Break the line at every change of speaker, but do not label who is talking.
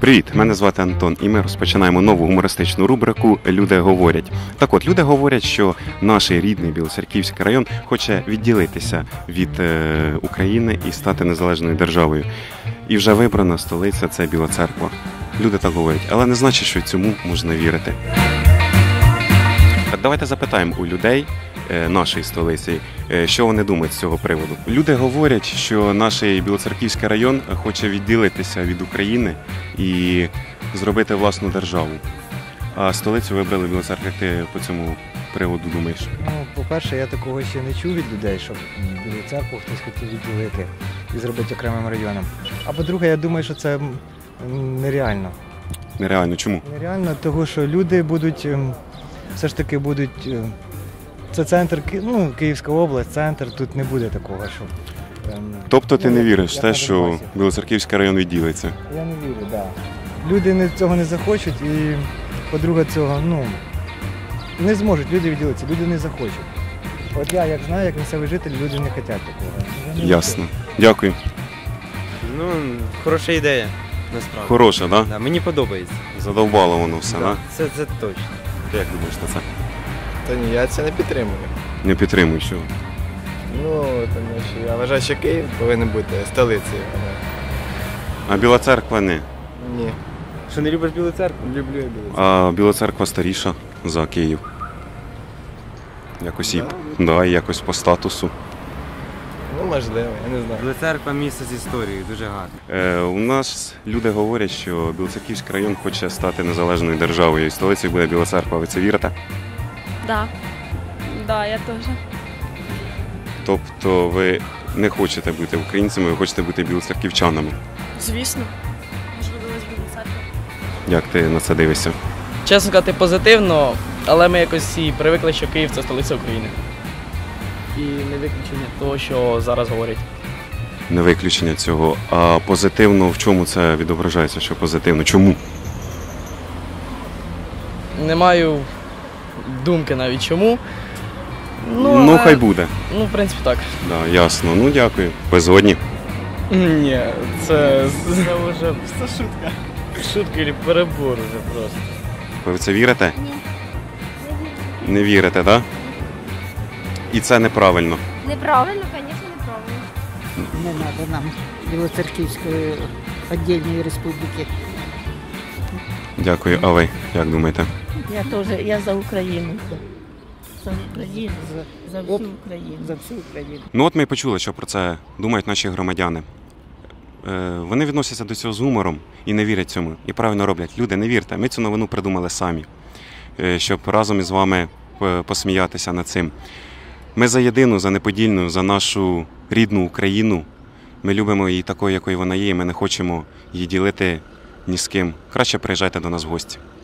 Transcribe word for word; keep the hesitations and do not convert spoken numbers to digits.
Привіт, мене звати Антон, і ми розпочинаємо нову гумористичну рубрику «Люди говорять». Так от, люди говорять, що наш рідний Білоцерківський район хоче відділитися від е, України і стати незалежною державою. І вже вибрана столиця – це Біла Церква. Люди так говорять, але не значить, що цьому можна вірити. Так давайте запитаємо у людей е, нашої столиці, е, що вони думають з цього приводу. Люди говорять, що наш Білоцерківський район хоче відділитися від України і зробити власну державу. А столицю вибрали Біла Церква. Як ти по цьому приводу думаєш?
Ну, по-перше, я такого ще не чув від людей, щоб Білу Церкву хтось хотів відділити і зробити окремим районом. А по-друге, я думаю, що це нереально.
Нереально. Чому?
Нереально, тому що люди будуть, все ж таки будуть, це центр, ну, Київська область, центр, тут не буде такого, що...
Тобто ти
ну,
не віриш в те,
на
що
Донбасі.
Білоцерківський район відділиться?
Я не вірю, так. Да. Люди не, цього не захочуть і, по-друге, цього, ну, не зможуть люди відділитися, люди не захочуть. От я, як знаю, як місцевий житель, люди не хочуть такого. Я не
Ясно. Дякую.
Ну, хороша ідея, насправді.
Хороша, так?
Да, мені подобається.
Задовбало воно все, так?
Да, це, це точно.
Ти як думаєш на це?
Та ні, я це не підтримую.
Не підтримую, що?
Ну, тому що я вважаю, що Київ повинен бути столицею.
А Біла Церква не.
Ні.
Що, не любиш Білу Церкву?
Люблю я Білу Церкву.
А Біла Церква старіша за Київ. Якось і, да, і якось по статусу.
Ну, можливо, я не знаю.
Біла Церква – місце з історією, дуже гарно.
Е, у нас люди говорять, що Білоцерківський район хоче стати незалежною державою, і столицею буде Біла Церква. Ви це вірите?
Да. Да, я теж.
Тобто ви не хочете бути українцями, ви хочете бути білоцерківчанами.
Звісно. Можливо, з Білої Церкви.
Як ти на це дивишся?
Чесно сказати, позитивно, але ми якось всі привикли, що Київ – це столиця України. І не виключення того, що зараз говорять.
Не виключення цього. А позитивно в чому це відображається, що позитивно? Чому?
Не маю думки навіть чому.
Ну,
але-
хай буде.
Ну, в принципі, так.
Да, ясно. Ну, дякую. Ви згодні?
Ні, це, це вже це шутка. Шутка і перебор вже просто.
Ви в це вірите?
Ні.
Не вірите, так? І це неправильно.
Неправильно, звісно, неправильно.
Не треба нам Білоцерківської віддільної республіки.
Дякую. А ви як думаєте?
Я теж, я за Україну. За Україну, за, за всю Україну. За всю Україну.
Ну от ми і почули, що про це думають наші громадяни. Е, вони відносяться до цього з гумором і не вірять цьому. І правильно роблять. Люди, не вірте. Ми цю новину придумали самі, е, щоб разом із вами е, посміятися над цим. Ми за єдину, за неподільну, за нашу рідну Україну. Ми любимо її такою, якою вона є, і ми не хочемо її ділити ні з ким. Краще приїжджайте до нас в гості.